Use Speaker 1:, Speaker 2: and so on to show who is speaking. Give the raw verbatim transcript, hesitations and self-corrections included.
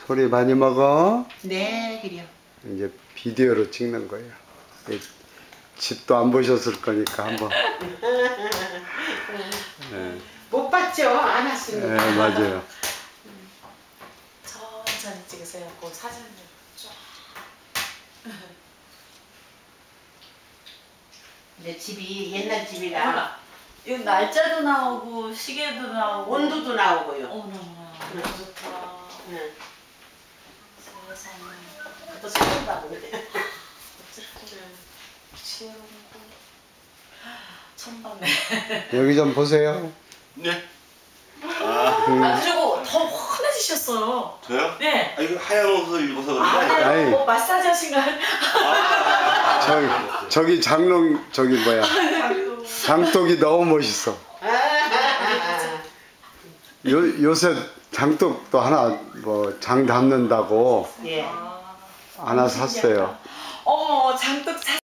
Speaker 1: 소리 많이 먹어.
Speaker 2: 네, 그래요.
Speaker 1: 이제 비디오로 찍는 거예요. 집도 안 보셨을 거니까 한번. 네.
Speaker 2: 못 봤죠? 안 왔습니다.
Speaker 1: 네, 맞아요.
Speaker 3: 천천히 찍으세요. 그 사진을 쫙.
Speaker 2: 근데 집이 옛날 집이라
Speaker 3: 이거 날짜도 나오고 시계도 나오고
Speaker 2: 온도도 나오고요.
Speaker 3: 어머나
Speaker 2: 응.
Speaker 3: 좋다.
Speaker 2: 응.
Speaker 3: 세상에.
Speaker 2: 그것도 처음 봐보네.
Speaker 3: 지혜로운 거. 처음 봤네.
Speaker 1: 여기 좀 보세요.
Speaker 4: 네.
Speaker 3: 아,
Speaker 1: 음.
Speaker 3: 아 그리고 더 환해지셨어요.
Speaker 4: 저요?
Speaker 3: 네.
Speaker 4: 아 이거 하얀 옷을 입어서
Speaker 3: 아,
Speaker 4: 그런데.
Speaker 3: 네.
Speaker 1: 아이.
Speaker 3: 뭐 마사지 하신가요?
Speaker 1: 저기, 저기 장롱, 저기 뭐야. 장독이 너무 멋있어. 요, 요새 장독도 하나 뭐 장 담는다고
Speaker 2: 예.
Speaker 3: 아,
Speaker 1: 하나 샀어요.
Speaker 3: 어머 장독 사